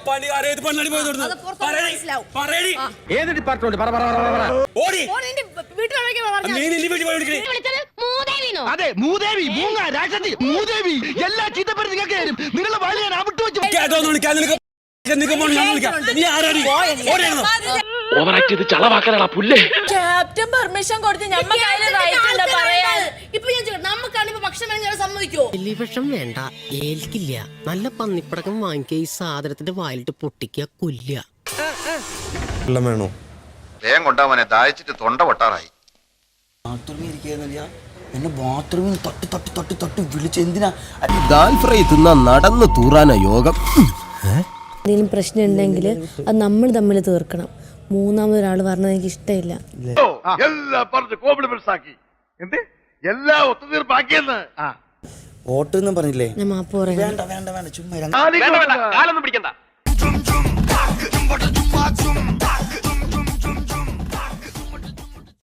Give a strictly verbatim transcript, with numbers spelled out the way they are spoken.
ഏത് ഡിപ്പാർട്ട്മെന്റ് അതെ മൂദേവി മൂങ്ങ രാക്ഷസി മൂദേവി എല്ലാ ചീത്തപ്പേരും നിങ്ങൾക്ക് തരും. നിങ്ങളുടെ വാല് ഞാൻ അവിട്ട് വെച്ചു. ക്യാപ്റ്റൻ പെർമിഷൻ കൊടുത്ത് ഭക്ഷണം വേണ്ട ഏൽക്കില്ല. നല്ല പന്നിപ്പടക്കം വാങ്ങിക്കുക, ഈ സാധനത്തിന്റെ വായിലിട്ട് പൊട്ടിക്കുക, കൊല്ലുക. വേണോ വേഗം കൊണ്ടാവനെ ദാഹിച്ചിട്ട് തൊണ്ട പൊട്ടാറായി. ബാത്റൂമിൽ ഇരിക്കുക എന്നെ ബാത്റൂമിൽ തട്ടി തട്ടി തട്ടി തട്ടി വിളിച്ച് എന്തിനാ ദാൽ ഫ്രൈ തിന്നാ നടന്ന് തൂറാന യോഗം. എന്തെങ്കിലും പ്രശ്നം ഉണ്ടെങ്കിൽ അത് നമ്മൾ തമ്മിൽ തീർക്കണം. മൂന്നാമതൊരാൾ പറഞ്ഞത് എനിക്ക് ഇഷ്ടമില്ല. ഓട്ടെന്നും പറഞ്ഞില്ലേ? ഞാൻ മാപ്പ് പറയാം. വേണ്ട വേണ്ട വേണ്ട ചുമ്മാ